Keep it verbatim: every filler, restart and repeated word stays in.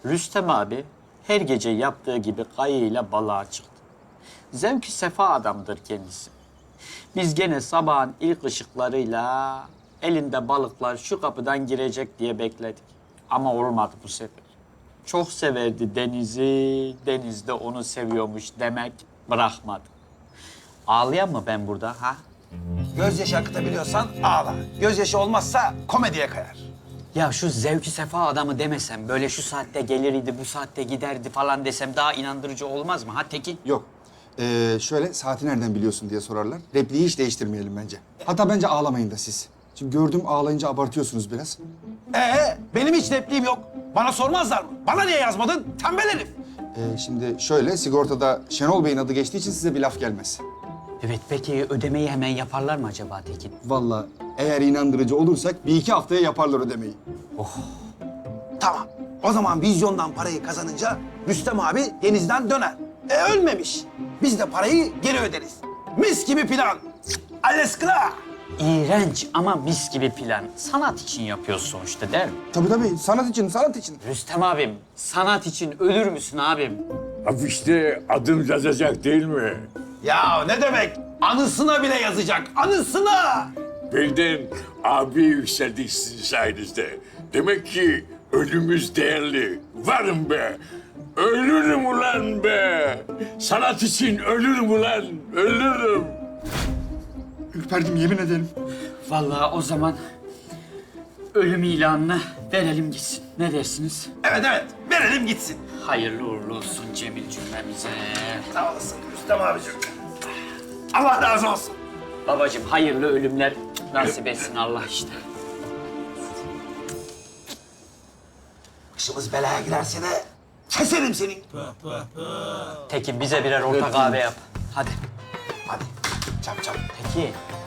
Rüstem abi her gece yaptığı gibi kayığıyla balığa çıktı. Zevki sefa adamdır kendisi. Biz gene sabahın ilk ışıklarıyla elinde balıklar şu kapıdan girecek diye bekledik. Ama olmadı bu sefer. Çok severdi denizi, deniz de onu seviyormuş demek bırakmadı. Ağlayan mı ben burada ha? Gözyaşı akıtabiliyorsan ağla. Gözyaşı olmazsa komediye kayar. Ya şu zevki sefa adamı demesem, böyle şu saatte gelirdi, bu saatte giderdi falan desem daha inandırıcı olmaz mı ha Tekin? Yok. Ee, şöyle saati nereden biliyorsun diye sorarlar. Repliği hiç değiştirmeyelim bence. Hatta bence ağlamayın da siz. Şimdi gördüm ağlayınca abartıyorsunuz biraz. Ee, benim hiç repliğim yok. Bana sormazlar mı? Bana niye yazmadın? Tembel herif. Ee, şimdi şöyle sigortada Şenol Bey'in adı geçtiği için size bir laf gelmez. Evet, peki ödemeyi hemen yaparlar mı acaba Tekin? Vallahi eğer inandırıcı olursak bir iki haftaya yaparlar ödemeyi. Tamam. O zaman vizyondan parayı kazanınca Rüstem abi denizden döner. E ölmemiş. Biz de parayı geri öderiz. Mis gibi plan. Alles klar. İğrenç ama mis gibi plan. Sanat için yapıyoruz sonuçta değil mi? Tabii tabii sanat için, sanat için. Rüstem abim, sanat için ölür müsün abim? Afişte adım yazacak değil mi? Ya ne demek? Anısına bile yazacak. Anısına. Birden abi yükseldik sizin sayenizde. Demek ki ölümümüz değerli. Varım be. Ölürüm ulan be. Sanat için ölürüm ulan. Ölürüm. Ürperdim yemin ederim. Vallahi o zaman ölüm ilanını verelim gitsin. Ne dersiniz? Evet evet. Verelim gitsin. Hayırlı uğurlu olsun Cemil cümlemize. Sağ olasın Rüstem abicim. Allah razı olsun. Babacığım hayırlı ölümler nasip etsin Allah işte. Başımız belaya girerse de keserim senin. Tekin bize birer orta kahve yap. Hadi. Hadi çap çap. Tekin.